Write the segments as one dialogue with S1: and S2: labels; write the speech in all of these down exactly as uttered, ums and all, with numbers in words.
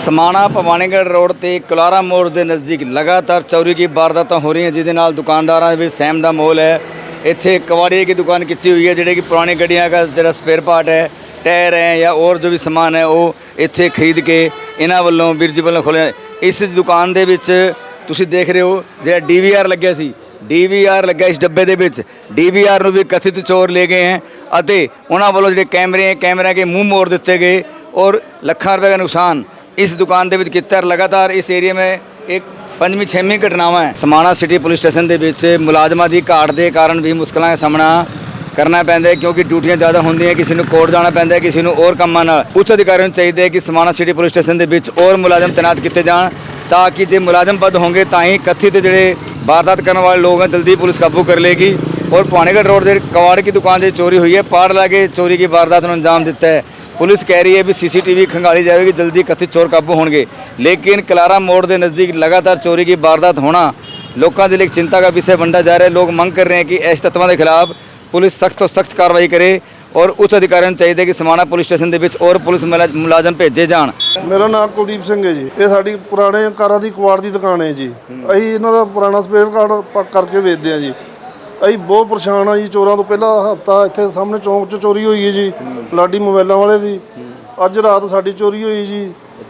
S1: समाणा Bhawanigarh road ते कुलारा मोड़ के नज़दीक लगातार चोरी की वारदातें हो रही हैं, जिसके नाल दुकानदारों में सहम का माहौल है। इत्थे कबाड़िए की दुकान की हुई है, जिहड़े कि पुरानी गड्डियां का जो स्पेयर पार्ट है, टायर है या और जो भी समान है, वो इत्थे खरीद के इन्हां वल्लों वीर जी वल्लों खोलिया। इस दुकान दे विच तुसीं देख रहे हो जो डी वी आर लग्या सी, डी वी आर लग्या इस डब्बे दे विच। डी वी आर नूं भी कथित चोर ले गए हैं अते उन्हां वल्लों जिहड़े कैमरे हैं, कैमरे के मूँह मोड़ दिते गए और लखां रुपए का नुकसान इस दुकान के किया। लगातार इस एरिए में एक पंजवीं छेवीं घटनावां है। समाणा सिटी पुलिस स्टेशन के विच मुलाजमां की घाट के कारण भी मुश्किलों का सामना करना पैंदा है, क्योंकि ड्यूटियां ज़्यादा होंदियां, किसी को कोर्ट जाना पैंदा है, किसी को और कामां नाल। उच्च अधिकारियों को चाहिए कि समाणा सिटी पुलिस स्टेशन के विच और मुलाजम तैनात किए जान, ताकि जो मुलाजम पद होंगे तां ही कथित जोड़े वारदात करने वाले लोग हैं जल्दी पुलिस काबू कर लेगी। और भवानीगढ़ रोड के कबाड़ की दुकान से चोरी हुई है, पाड़ ला के चोरी की वारदात को अंजाम दिता है। पुलिस कह रही है भी सी सी टी वी खंगाली जाएगी, जल्दी कथित चोर काबू होंगे, लेकिन कुलारा मोड़ के नज़दीक लगातार चोरी की वारदात होना लोगों के लिए चिंता का विषय बनता जा रहा है। लोग मंग कर रहे हैं कि ऐसे तत्वों के खिलाफ पुलिस सख्त तो सख्त कार्रवाई करे और उच्च अधिकारियों को चाहिए कि समाणा पुलिस स्टेशन के विच और पुलिस मुलाजम भेजे जान।
S2: मेरा नाम कुलदीप सिंह है जी। ये साड़ी पुराने कारां दी कबाड़ की दुकान है जी। असीं इन्हां दा पुराना स्पेयर कार्ड करके वेचते हैं जी। ਅਸੀਂ ਬਹੁਤ ਪਰੇਸ਼ਾਨ ਆ ਜੀ। ਚੋਰਾਂ ਤੋਂ ਪਹਿਲਾਂ ਹਫਤਾ ਇੱਥੇ ਸਾਹਮਣੇ ਚੌਂਕ 'ਚ ਚੋਰੀ ਹੋਈ ਹੈ ਜੀ, ਲਾਡੀ ਮੋਬਾਈਲਾਂ ਵਾਲੇ ਦੀ। ਅੱਜ ਰਾਤ ਸਾਡੀ ਚੋਰੀ ਹੋਈ ਜੀ।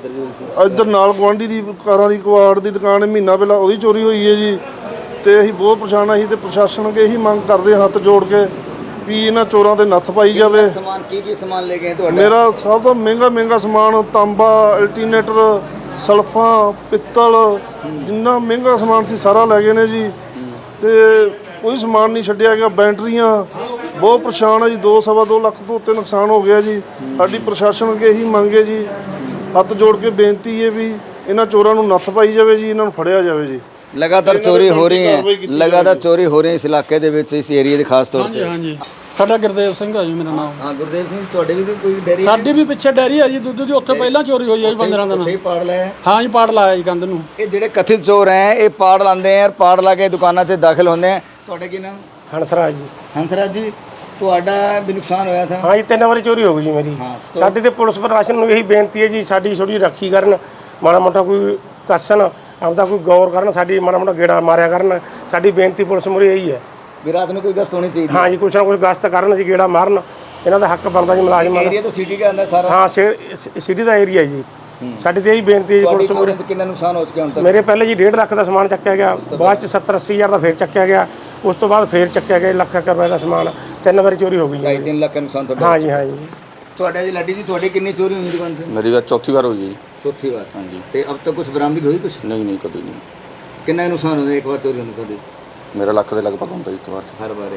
S2: ਇੱਧਰ ਨਾਲ ਗੁਆਂਢੀ ਦੀ ਕਾਰਾਂ ਦੀ ਕਬਾੜ ਦੀ ਦੁਕਾਨ ਹੈ, ਮਹੀਨਾ ਪਹਿਲਾਂ ਉਹਦੀ ਚੋਰੀ ਹੋਈ ਹੈ ਜੀ। ਤੇ ਅਸੀਂ ਬਹੁਤ ਪਰੇਸ਼ਾਨ ਆ। ਅਸੀਂ ਤੇ ਪ੍ਰਸ਼ਾਸਨ ਅੱਗੇ ਇਹੀ ਮੰਗ ਕਰਦੇ ਹਾਂ, ਹੱਥ ਜੋੜ ਕੇ ਵੀ ਇਹਨਾਂ ਚੋਰਾਂ ਤੇ ਨੱਥ ਪਾਈ ਜਾਵੇ।
S1: ਸਮਾਨ ਕੀ ਕੀ ਸਮਾਨ ਲੈ ਗਏ ਤੁਹਾਡਾ?
S2: ਮੇਰਾ ਸਭ ਤੋਂ ਮਹਿੰਗਾ ਮਹਿੰਗਾ ਸਮਾਨ ਤਾਂਬਾ, ਅਲਟੀਨੇਟਰ, ਸਲਫਾਂ, ਪਿੱਤਲ, ਜਿੰਨਾ ਮਹਿੰਗਾ ਸਮਾਨ ਸੀ ਸਾਰਾ ਲੈ ਗਏ ਨੇ ਜੀ। ਤੇ ਕੋਈ ਸਮਾਨ ਨਹੀਂ ਛੱਡਿਆ ਗਿਆ। ਬੈਟਰੀਆਂ ਬਹੁਤ ਪਰੇਸ਼ਾਨ ਹੈ ਜੀ। ਦੋ ਸਵਾ ਦੋ ਲੱਖ ਤੋਂ ਉੱਤੇ ਨੁਕਸਾਨ ਹੋ ਗਿਆ ਜੀ। ਸਾਡੀ ਪ੍ਰਸ਼ਾਸਨ ਅੱਗੇ ਇਹੀ ਮੰਗ ਹੈ ਜੀ, ਹੱਥ ਜੋੜ ਕੇ ਬੇਨਤੀ ਹੈ ਵੀ ਇਹਨਾਂ ਚੋਰਾਂ ਨੂੰ ਨੱਥ ਪਾਈ ਜਾਵੇ ਜੀ, ਇਹਨਾਂ ਨੂੰ ਫੜਿਆ ਜਾਵੇ ਜੀ।
S1: लगातार चोरी हो रही है, लगातार चोरी हो रही है इस इलाके दे विच, इस एरिया ਦੇ ਖਾਸ ਤੌਰ ਤੇ।
S3: ਹਾਂਜੀ ਸਾਡਾ ਗੁਰਦੇਵ ਸਿੰਘ ਆ ਜੀ ਮੇਰਾ ਨਾਮ।
S1: ਹਾਂ ਗੁਰਦੇਵ ਸਿੰਘ, ਤੁਹਾਡੇ ਵੀ ਕੋਈ ਡੈਰੀ?
S3: ਸਾਡੀ ਵੀ ਪਿੱਛੇ ਡੈਰੀ ਆ ਜੀ ਦੁੱਧ ਦੀ, ਉੱਥੇ ਪਹਿਲਾਂ ਚੋਰੀ ਹੋਈ ਆ ਜੀ ਪੰਦਰਾਂ ਦਿਨ।
S1: ਉੱਥੇ ਪਾੜ ਲਾਇਆ?
S3: ਹਾਂ ਜੀ ਪਾੜ ਲਾਇਆ ਜੀ ਕੰਧ ਨੂੰ।
S1: ਇਹ ਜਿਹੜੇ ਕਥਿਤ ਚੋਰ ਹੈ ਇਹ ਪਾੜ ਲਾਉਂਦੇ ਆ, ਪਾੜ ਲਾ ਕੇ ਦੁਕਾਨਾਂ 'ਚ ਦਾਖਲ ਹੁੰਦੇ ਆ। ਤੁਹਾਡਾ ਕੀ ਨਾਮ?
S4: ਹੰਸਰਾਜ ਜੀ।
S1: ਹੰਸਰਾਜ ਜੀ, ਤੁਹਾਡਾ ਵੀ ਨੁਕਸਾਨ ਹੋਇਆ ਥਾ?
S4: ਹਾਂ ਜੀ, ਤਿੰਨ ਵਾਰੀ ਚੋਰੀ ਹੋ ਗਈ ਜੀ ਮੇਰੀ। ਸਾਡੀ ਤੇ ਪੁਲਿਸ ਪ੍ਰਸ਼ਾਸਨ ਨੂੰ ਇਹੀ ਬੇਨਤੀ ਹੈ ਜੀ, ਸਾਡੀ ਥੋੜੀ ਰਾਖੀ ਕਰਨ, ਮਾੜਾ ਮੋਟਾ ਕੋਈ ਕੱਸਣ, ਆਪਦਾ ਕੋਈ ਗੌਰ ਕਰਨ, ਸਾਡੀ ਮਾੜਾ ਮੋਟਾ ਗੇੜਾ ਮਾਰਿਆ ਕਰਨ। ਸਾਡੀ ਬੇਨਤੀ ਪੁਲਿਸ ਮੁਰੇ ਇਹੀ ਹੈ
S1: ਵੀ ਰਾਤ ਨੂੰ ਕੋਈ ਗਸ਼ਤ ਹੋਣੀ ਚਾਹੀਦੀ।
S4: ਹਾਂ ਜੀ, ਕੁਛ ਨਾ ਕੁਛ ਗਸ਼ਤ ਕਰਨ ਜੀ, ਗੇੜਾ ਮਾਰਨ। ਇਹਨਾਂ ਦਾ ਹੱਕ ਬਣਦਾ ਜੀ ਮੁਲਾਜ਼ਮਾਂ ਦਾ।
S1: ਏਰੀਆ ਤਾਂ ਸਿਟੀ ਦਾ ਅੰਦਰ ਸਾਰਾ?
S4: ਹਾਂ, ਸਿਟੀ ਦਾ ਏਰੀਆ ਜੀ। ਸਾਡੀ ਤੇ ਇਹੀ ਬੇਨਤੀ ਹੈ ਜੀ ਪੁਲਿਸ ਮੁਰੇ।
S1: ਕਿੰਨਾ ਨੁਕਸਾਨ ਹੋ ਚੁੱਕਿਆ ਹੁਣ ਤੱਕ?
S4: ਮੇਰੇ ਪਹਿਲੇ ਜੀ ਡੇਢ ਲੱਖ ਦਾ ਸਮਾਨ ਚੱਕਿਆ ਗਿਆ, ਬਾਅਦ ਚ ਸੱਤਰ ਅੱਸੀ ਹਜ਼ਾਰ ਦਾ ਫੇਰ ਚੱਕਿਆ ਗਿਆ, ਉਸ ਤੋਂ ਬਾਅਦ ਫੇਰ ਚੱਕਿਆ ਗਿਆ ਲੱਖ ਰੁਪਏ ਦਾ ਸਮਾਨ। ਤਿੰਨ ਵਾਰੀ ਚੋਰੀ ਹੋ ਗਈ ਜੀ।
S1: ਤਿੰਨ ਲੱਖ ਦਾ ਨੁਕਸਾਨ ਤੁਹਾਡਾ?
S4: ਹਾਂ ਜੀ, ਹਾਂ ਜੀ।
S1: ਤੁਹਾਡਾ ਜੀ ਲਾਡੀ ਜੀ, ਤੁਹਾਡੀ ਕਿੰਨੀ ਚੋਰੀ ਹੋਈ ਦੁਕਾਨ ਸੇ?
S5: मेरी बात चौथी बार हुई है जी।
S1: चौथी बार?
S5: हाँ जी।
S1: तो अब तक कुछ बरामदगी हुई कुछ?
S5: नहीं नहीं कभी नहीं।
S1: कितना नुकसान होता एक बार चोरी होने ਤੁਹਾਡੀ?
S5: मेरा लख के लगभग होता एक बार
S1: हर बार?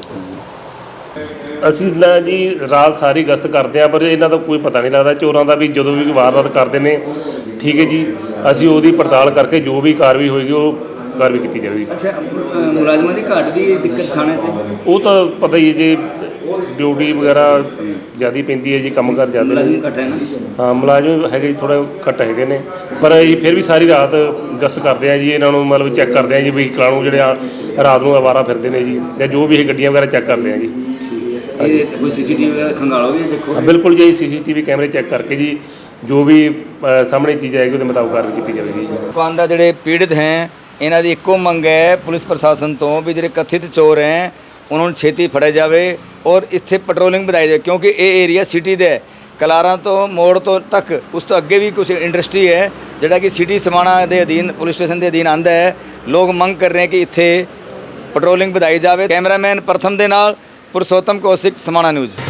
S6: ਅਸੀਂ ਨਾ ਜੀ ਰਾਤ ਸਾਰੀ ਗਸ਼ਤ ਕਰਦੇ ਆ, ਪਰ ਇਹਨਾਂ ਦਾ ਕੋਈ ਪਤਾ ਨਹੀਂ ਲੱਗਦਾ ਚੋਰਾਂ ਦਾ ਵੀ। ਜਦੋਂ ਵੀ ਵਾਰਦਾਤ ਕਰਦੇ ਨੇ, ਠੀਕ ਹੈ ਜੀ, ਅਸੀਂ ਉਹਦੀ ਪੜਤਾਲ ਕਰਕੇ ਜੋ ਵੀ ਕਾਰਵਾਈ ਹੋਏਗੀ ਉਹ ਕਾਰਵਾਈ ਕੀਤੀ ਜਾਵੇਗੀ।
S1: ਅੱਛਾ, ਮੁਲਾਜ਼ਮਾਂ ਦੀ ਘਾਟ ਵੀ ਦਿੱਕਤ ਥਾਣੇ 'ਚ?
S6: ਉਹ ਤਾਂ ਪਤਾ ਹੀ ਹੈ ਜੀ, ਡਿਊਟੀ ਵਗੈਰਾ ਜ਼ਿਆਦਾ ਪੈਂਦੀ ਹੈ ਜੀ, ਕੰਮ ਕਰ ਜ਼ਿਆਦਾ
S1: ਮੁਲਾਜ਼ਮ ਘੱਟ ਹੈ ਨਾ?
S6: ਹਾਂ, ਮੁਲਾਜ਼ਮ ਹੈਗੇ ਜੀ, ਥੋੜ੍ਹਾ ਘੱਟ ਹੈਗੇ ਨੇ, ਪਰ ਅਸੀਂ ਫਿਰ ਵੀ ਸਾਰੀ ਰਾਤ ਗਸ਼ਤ ਕਰਦੇ ਆ ਜੀ। ਇਹਨਾਂ ਨੂੰ ਮਤਲਬ ਚੈੱਕ ਕਰਦੇ ਆ ਜੀ, ਵਹੀਕਲਾਂ ਨੂੰ ਜਿਹੜੇ ਆ ਰਾਤ ਨੂੰ ਅਵਾਰਾ ਫਿਰਦੇ ਨੇ ਜੀ, ਜਾਂ ਜੋ ਵੀ ਇਹ ਗੱਡੀਆਂ ਵਗੈਰਾ ਚੈੱਕ ਕਰਦੇ ਆ ਜੀ।
S1: ਇਹ ਕੋਈ ਸੀ ਸੀ ਟੀ ਵੀ ਵਗੈਰਾ ਖੰਗਾਲੋਗੇ? ਦੇਖੋ
S6: ਬਿਲकुल ਜੀ, ਸੀ ਸੀ ਟੀ ਵੀ ਕੈਮਰੇ ਚੈੱਕ ਕਰਕੇ ਜੀ ਜੋ ਵੀ ਸਾਹਮਣੇ ਚੀਜ਼ ਆਏਗੀ ਉਹਦੇ ਮੁਤਾਬਕ ਕਾਰਵਾਈ ਕੀਤੀ ਜਾਵੇਗੀ ਜੀ।
S1: ਦੁਕਾਨ ਦਾ ਜਿਹੜੇ ਪੀੜਤ ਹੈ ਇਹਨਾਂ ਦੀ ਇੱਕੋ ਮੰਗ ਹੈ ਪੁਲਿਸ ਪ੍ਰਸ਼ਾਸਨ ਤੋਂ ਵੀ ਜਿਹੜੇ ਕਥਿਤ ਚੋਰ ਹੈ ਉਹਨਾਂ ਨੂੰ ਛੇਤੀ ਫੜਿਆ ਜਾਵੇ ਔਰ ਇੱਥੇ ਪੈਟਰੋਲਿੰਗ ਵਧਾਈ ਜਾਵੇ, ਕਿਉਂਕਿ ਇਹ ਏਰੀਆ ਸਿਟੀ ਦਾ ਹੈ। ਕਲਾਰਾਂ ਤੋਂ ਮੋੜ ਤੋਂ ਤੱਕ, ਉਸ ਤੋਂ ਅੱਗੇ ਵੀ ਕੁਝ ਇੰਡਸਟਰੀ ਹੈ ਜਿਹੜਾ ਕਿ ਸਿਟੀ ਸਮਾਣਾ ਦੇ ਅਧੀਨ, ਪੁਲਿਸ ਸਟੇਸ਼ਨ ਦੇ ਅਧੀਨ ਆਉਂਦਾ ਹੈ। ਲੋਕ ਮੰਗ ਕਰ ਰਹੇ ਕਿ ਇੱਥੇ ਪੈਟਰੋਲਿੰਗ ਵਧਾਈ ਜਾਵੇ। ਕੈਮਰਾਮੈਨ ਪ੍ਰਥਮ ਦੇ ਨਾਲ ਪੁਰਸ਼ੋਤਮ ਕੌਸ਼ਿਕ, ਸਮਾਣਾ ਨਿਊਜ਼।